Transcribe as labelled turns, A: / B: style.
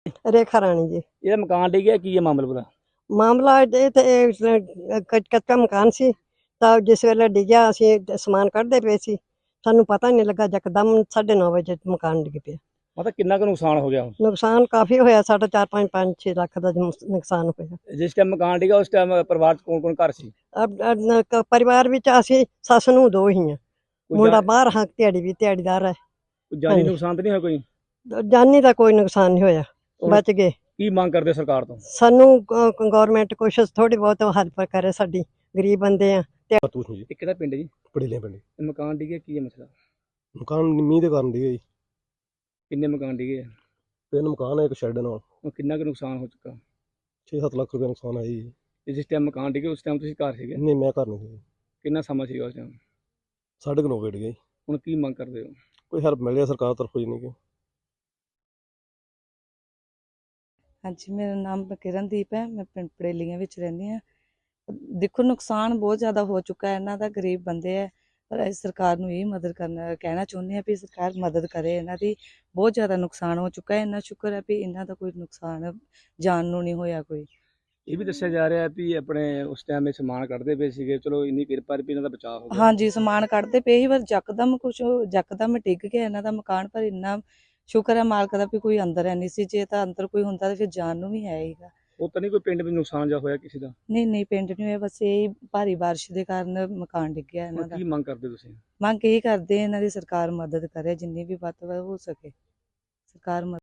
A: ਰੇਖਾ ਰਾਣੀ ਜੀ।
B: ਇਹਦਾ ਮਕਾਨ ਡਿੱਗਿਆ, ਕੀ ਹੈ ਮਾਮਲਾ ਪੂਰਾ?
A: ਮਾਮਲਾ ਇਹ ਤੇ ਕੱਚਾ ਮਕਾਨ ਸੀ, ਤਾਂ ਜਿਸ ਵੇਲੇ ਡਿੱਗਿਆ ਅਸੀਂ ਸਮਾਨ ਕੱਢਦੇ ਪਏ ਸੀ, ਸਾਨੂੰ ਪਤਾ ਨਹੀਂ ਲੱਗਾ, ਯਕਦਮ 9:30 ਵਜੇ ਮਕਾਨ ਡਿੱਗ ਪਿਆ।
B: ਮਤਲਬ ਕਿੰਨਾ ਕੁ ਨੁਕਸਾਨ ਹੋ ਗਿਆ?
A: ਨੁਕਸਾਨ ਕਾਫੀ ਹੋਇਆ, ਸਾਡਾ 4-5-6 ਲੱਖ ਦਾ ਨੁਕਸਾਨ ਹੋਇਆ।
B: ਜਿਸ ਟਾਈਮ ਮਕਾਨ ਡਿੱਗਾ ਉਸ ਟਾਈਮ ਪਰਿਵਾਰ 'ਚ ਕੌਣ ਘਰ ਸੀ?
A: ਪਰਿਵਾਰ ਵਿੱਚ ਅਸੀਂ ਸੱਸ ਨੂੰ ਦੋ ਹੀ ਹਾਂ, ਮੁੰਡਾ ਬਾਹਰ ਹਾਂ, ਦਿਹਾੜੀਦਾਰ ਹੈ।
B: ਜਾਨੀ ਨੁਕਸਾਨ ਤਾਂ ਨਹੀਂ ਹੋਇਆ ਕੋਈ?
A: ਜਾਨੀ ਦਾ ਕੋਈ ਨੁਕਸਾਨ ਨਹੀਂ ਹੋਇਆ, ਬਚ ਗਏ।
B: ਕੀ ਮੰਗ ਕਰਦੇ ਸਰਕਾਰ ਤੋਂ?
A: ਸਾਨੂੰ ਗਵਰਨਮੈਂਟ ਕੁਛ ਥੋੜੀ ਬਹੁਤ ਹੈਲਪ ਕਰੇ, ਸਾਡੀ ਗਰੀਬ ਬੰਦੇ ਆ।
B: ਇਹ ਕਿਹੜਾ ਪਿੰਡ ਜੀ?
C: ਪੜੇਲੇ ਪਿੰਡ।
B: ਮਕਾਨ ਡਿੱਗਿਆ, ਕੀ ਹੈ ਮਸਲਾ?
C: ਮਕਾਨ ਮੀਂਹ ਦੇ ਕਾਰਨ ਡਿੱਗੇ ਜੀ।
B: ਕਿੰਨੇ ਮਕਾਨ ਡਿੱਗੇ ਆ?
C: 3 ਮਕਾਨ ਹੈ, ਇੱਕ ਸ਼ੈੱਡ ਨਾਲ।
B: ਉਹ ਕਿੰਨਾ ਕੁ ਨੁਕਸਾਨ ਹੋ ਚੁੱਕਾ?
C: 6-7 ਲੱਖ ਰੁਪਏ ਨੁਕਸਾਨ ਆਇਆ ਜੀ।
B: ਤੇ ਜਿਸ ਟਾਈਮ ਮਕਾਨ ਡਿੱਗੇ ਉਸ ਟਾਈਮ ਤੁਸੀਂ ਘਰ ਸੀਗੇ?
C: ਨਹੀਂ, ਮੈਂ ਘਰ ਨਹੀਂ ਸੀ।
B: ਕਿੰਨਾ ਸਮਾਂ ਸੀਗਾ ਉਸ ਟਾਈਮ?
C: 9:30 ਵਜੇ ਡਿੱਗੇ ਜੀ।
B: ਹੁਣ ਕੀ ਮੰਗ ਕਰਦੇ ਹੋ?
C: ਕੋਈ ਹੈਲਪ ਮਿਲ ਜਾਏ ਸਰਕਾਰ ਤਰਫੋਂ ਜੀ। ਨਹੀਂ ਕਿ
D: ਹਾਂਜੀ, ਮੇਰਾ ਨਾਮ ਕਿਰਨਦੀਪ ਹੈ, ਮੈਂ ਪਿੰਡ ਪੜੇਲੀਆਂ ਵਿੱਚ ਰਹਿੰਦੀ ਹਾਂ। ਦੇਖੋ, ਨੁਕਸਾਨ ਬਹੁਤ ਜ਼ਿਆਦਾ ਹੋ ਚੁੱਕਾ ਹੈ, ਇਹਨਾਂ ਦਾ ਗਰੀਬ ਬੰਦੇ ਹੈ, ਪਰ ਅਸੀਂ ਸਰਕਾਰ ਨੂੰ ਇਹ ਮਦਦ ਕਹਿਣਾ ਚਾਹੁੰਦੇ ਹਾਂ ਵੀ ਸਰਕਾਰ ਮਦਦ ਕਰੇ ਇਹਨਾਂ ਦੀ। ਬਹੁਤ ਜ਼ਿਆਦਾ ਨੁਕਸਾਨ ਹੋ ਚੁੱਕਾ ਹੈ, ਇੰਨਾ ਸ਼ੁਕਰ ਹੈ ਵੀ ਇਹਨਾਂ ਦਾ ਕੋਈ ਨੁਕਸਾਨ ਜਾਨ ਨੂੰ ਨਹੀਂ ਹੋਇਆ ਕੋਈ।
B: ਇਹ ਵੀ ਦੱਸਿਆ ਜਾ ਰਿਹਾ ਵੀ ਆਪਣੇ ਉਸ ਟਾਈਮ ਇਹ ਸਮਾਨ ਕੱਢਦੇ ਪਏ ਸੀਗੇ, ਚਲੋ ਇੰਨੀ ਕਿਰਪਾ ਵੀ ਇਹਨਾਂ ਦਾ ਬਚਾਅ ਹੋ ਗਿਆ।
D: ਹਾਂਜੀ, ਸਮਾਨ ਕੱਢਦੇ ਪਏ ਸੀ, ਪਰ ਯਕਦਮ ਡਿੱਗ ਗਿਆ ਇਹਨਾਂ ਦਾ ਮਕਾਨ। ਪਰ ਇੰਨਾ ਸ਼ੁਕਰ ਹੈ ਮਾਲਕ ਦਾ ਵੀ ਕੋਈ ਅੰਦਰ ਹੈ ਨਹੀਂ ਸੀ, ਜੇ ਤਾਂ ਅੰਦਰ ਕੋਈ ਹੁੰਦਾ ਤਾਂ ਫਿਰ ਜਾਨ ਨੂੰ ਵੀ ਹੈ ਹੀਗਾ।
B: ਉਹ ਤਾਂ ਨਹੀਂ ਕੋਈ ਪਿੰਡ ਵਿੱਚ ਨੁਕਸਾਨ ਜਾ ਹੋਇਆ ਕਿਸੇ ਦਾ?
D: ਨਹੀਂ, ਪਿੰਡ ਨਹੀਂ ਹੋਇਆ, ਬਸ ਇਹ ਭਾਰੀ ਬਾਰਿਸ਼ ਦੇ ਕਾਰਨ ਮਕਾਨ ਡਿੱਗਿਆ ਇਹਨਾਂ ਦਾ।
B: ਕੀ ਮੰਗ ਕਰਦੇ ਤੁਸੀਂ?
D: ਮੰਗ ਇਹ ਕਰਦੇ ਇਹਨਾਂ ਦੀ ਸਰਕਾਰ ਮਦਦ ਕਰੇ, ਜਿੰਨੀ ਵੀ ਵੱਧ ਤੋਂ ਵੱਧ ਹੋ ਸਕੇ ਸਰਕਾਰ